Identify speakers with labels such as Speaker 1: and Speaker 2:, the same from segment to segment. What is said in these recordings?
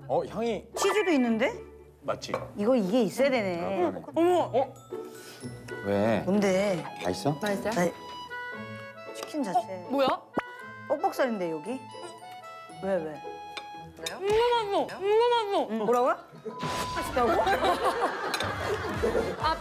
Speaker 1: 향이
Speaker 2: 치즈도 있는데?
Speaker 3: 맞지?
Speaker 2: 이게 있어야 되네.
Speaker 1: 어머. 왜?
Speaker 2: 뭔데?
Speaker 1: 맛있어?
Speaker 4: 맛있어요?
Speaker 2: 나 치킨 자체.
Speaker 4: 뭐야?
Speaker 2: 뻑뻑살인데 여기? 왜?
Speaker 4: 궁금하소.
Speaker 2: 뭐라고요? 맛있다고?
Speaker 4: 아,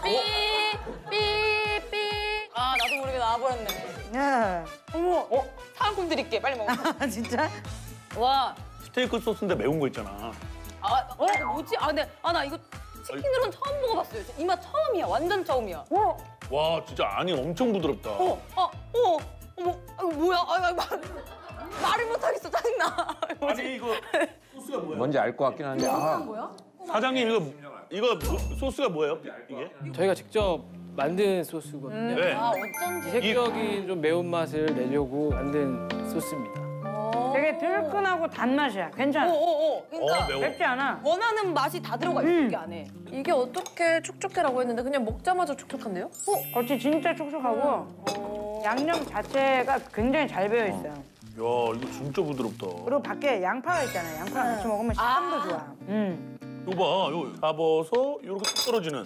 Speaker 4: 삐. 아, 나도 모르게 나와버렸네.
Speaker 2: 야.
Speaker 4: 어머. 사은품 드릴게. 빨리 먹어.
Speaker 2: 아 진짜?
Speaker 4: 와.
Speaker 3: 스테이크 소스인데 매운 거 있잖아.
Speaker 4: 이거 뭐지? 나 이거 치킨으로는 처음 먹어봤어요. 이 맛 처음이야. 완전 처음이야.
Speaker 3: 와 진짜 안이 엄청 부드럽다.
Speaker 4: 어머. 이거 뭐야? 말을 못하겠어. 짜증나.
Speaker 3: 아니 이거 소스가 뭐야?
Speaker 1: 뭔지 알 것 같긴 한데.
Speaker 4: 뭐야?
Speaker 3: 사장님 이거 소스가 뭐예요? 이게?
Speaker 5: 저희가 직접 만든 소스거든요.
Speaker 3: 네.
Speaker 4: 어쩐지.
Speaker 5: 색적인 좀 매운맛을 내려고 만든 소스입니다.
Speaker 2: 되게 들끈하고 단맛이야. 괜찮아.
Speaker 4: 그러니까
Speaker 3: 매워.
Speaker 2: 맵지 않아.
Speaker 4: 원하는 맛이 다 들어가 있어, 이게 안에.
Speaker 6: 이게 어떻게 촉촉해라고 했는데 그냥 먹자마자 촉촉한데요?
Speaker 2: 겉이 진짜 촉촉하고 양념 자체가 굉장히 잘 배어 있어요.
Speaker 3: 야 이거 진짜 부드럽다.
Speaker 2: 그리고 밖에 양파가 있잖아요. 양파랑 같이 먹으면 식감도 좋아.
Speaker 3: 이거 봐, 이거 잡아서 이렇게 뚝 떨어지는.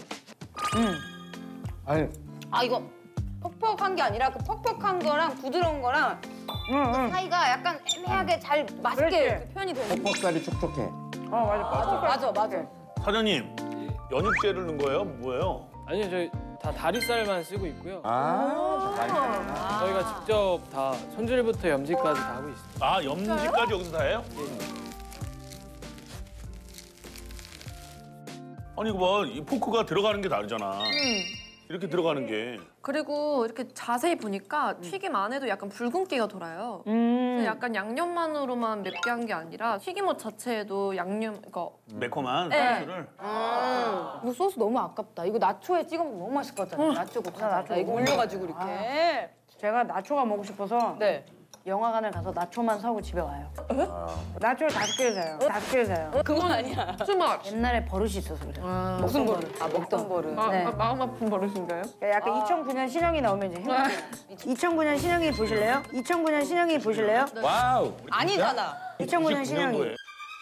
Speaker 1: 아니
Speaker 4: 이거 퍽퍽한 게 아니라 그 퍽퍽한 거랑 부드러운 거랑 사이가 약간 애매하게 잘 맛있게
Speaker 2: 그렇지.
Speaker 4: 이렇게 표현이 되는 거.
Speaker 1: 퍽퍽살이 촉촉해.
Speaker 4: 맞아.
Speaker 3: 사장님 연육제를 넣은 거예요? 뭐예요?
Speaker 5: 아니요, 저희 다 다리살만 쓰고 있고요.
Speaker 1: 아.
Speaker 5: 저희가 직접 다 손질부터 염지까지 다 하고 있습니다.
Speaker 3: 아 염지까지 여기서 다 해요? 아니 이거 봐, 이 포크가 들어가는 게 다르잖아. 이렇게 들어가는 게.
Speaker 6: 그리고 이렇게 자세히 보니까 튀김 안에도 약간 붉은기가 돌아요. 그래서 약간 양념만으로만 맵게 한 게 아니라 튀김옷 자체에도 양념,
Speaker 3: 매콤한
Speaker 6: 네.
Speaker 3: 소스를.
Speaker 4: 이거 소스 너무 아깝다. 이거 나초에 찍어 먹으면 너무 맛있을 것 같잖아. 나초고 과자. 이거 올려가지고 이렇게.
Speaker 2: 제가 나초가 먹고 싶어서
Speaker 4: 네.
Speaker 2: 영화관을 가서 나초만 사고 집에 와요. 나초를 5개를 사요. 5개를 사요.
Speaker 4: 그건 아니야.
Speaker 6: 수박.
Speaker 2: 옛날에 버릇이 있어서 그래요.
Speaker 4: 무슨 버릇? 먹던 버릇.
Speaker 2: 네.
Speaker 6: 마음 아픈 버릇인가요?
Speaker 2: 약간 2009년 신형이 나오면 이제 행복해요. 2009년 신형이 보실래요? 2009년 신형이 보실래요?
Speaker 1: 와우.
Speaker 4: 아니잖아.
Speaker 2: 2009년 신형이.
Speaker 3: 99년도에.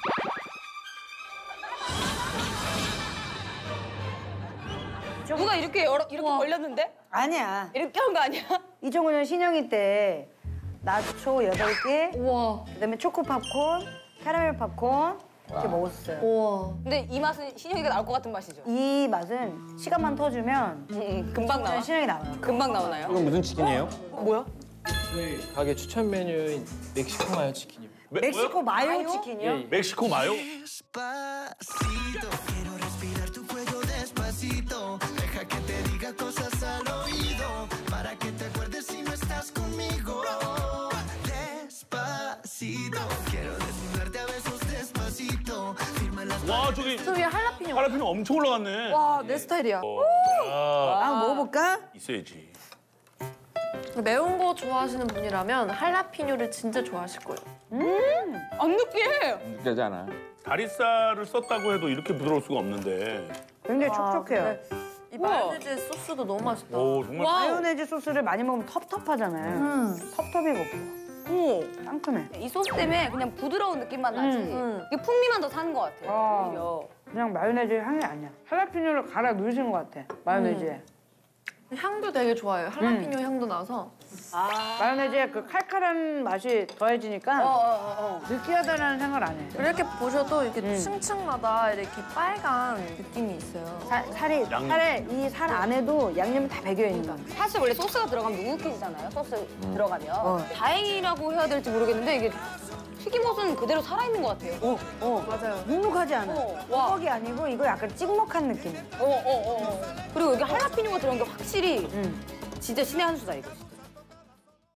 Speaker 4: 누가 이렇게 걸렸는데?
Speaker 2: 아니야.
Speaker 4: 이렇게 한 거 아니야?
Speaker 2: 2009년 신형이 때 나초 8개,
Speaker 6: 우와.
Speaker 2: 그다음에 초코 팝콘, 캐러멜 팝콘 이렇게 먹었어요.
Speaker 6: 우와.
Speaker 4: 근데 이 맛은 신영이가 나올 것 같은 맛이죠?
Speaker 2: 이 맛은 시간만 터주면
Speaker 4: 금방 나와.
Speaker 2: 신형이 나와요.
Speaker 4: 금방 나오나요?
Speaker 1: 이건 무슨 치킨이에요?
Speaker 4: 뭐야?
Speaker 5: 저희 가게 추천 메뉴인 멕시코 마요 치킨입니다.
Speaker 2: 멕시코 마요
Speaker 4: 마요?
Speaker 2: 치킨이요?
Speaker 5: 예.
Speaker 3: 멕시코 마요?
Speaker 7: Despacito, quiero respirar tu cuello despacito. Deja que te diga cosas al oído, para que te acuerdes si no estás conmigo. Despacito, quiero desnudarte a besos despacito. Firma las
Speaker 3: 와 저기
Speaker 6: 저 위에 할라피뇨.
Speaker 3: 할라피뇨 엄청 올라갔네.
Speaker 6: 와, 내 스타일이야.
Speaker 2: 아, 먹어볼까?
Speaker 3: 있어야지.
Speaker 6: 매운 거 좋아하시는 분이라면 할라피뇨를 진짜 좋아하실 거예요.
Speaker 4: 안 느끼해.
Speaker 1: 느껴지 않아.
Speaker 3: 다리살을 썼다고 해도 이렇게 부드러울 수가 없는데.
Speaker 2: 굉장히 촉촉해요.
Speaker 6: 이 마요네즈 소스도 너무 맛있다.
Speaker 3: 오 정말.
Speaker 2: 마요네즈 소스를 많이 먹으면 텁텁하잖아요. 텁텁이가 없어. 상큼해.
Speaker 4: 이 소스 때문에 그냥 부드러운 느낌만 나지. 이게 풍미만 더 사는 것 같아. 오히려.
Speaker 2: 그냥 마요네즈 향이 아니야. 할라피뇨를 갈아 넣으신 것 같아, 마요네즈에.
Speaker 6: 향도 되게 좋아요. 할라피뇨 향도 나서.
Speaker 2: 마요네즈에 그 칼칼한 맛이 더해지니까 느끼하다는 생각을 안 해.
Speaker 6: 이렇게 보셔도 이렇게 층층마다 이렇게 빨간 느낌이 있어요.
Speaker 2: 살에 이 살 안에도 양념이 다 배겨 있는 거야.
Speaker 4: 사실 원래 소스가 들어가면 눅눅해지잖아요. 소스 들어가면. 다행이라고 해야 될지 모르겠는데 이게 튀김옷은 그대로 살아있는 것 같아요.
Speaker 6: 맞아요.
Speaker 2: 눅눅하지 않아.
Speaker 4: 와.
Speaker 2: 뻑뻑이 아니고 이거 약간 찍먹한 느낌.
Speaker 4: 그리고 여기 할라피뇨가 들어간 게 확실히 진짜 신의 한 수다 이거.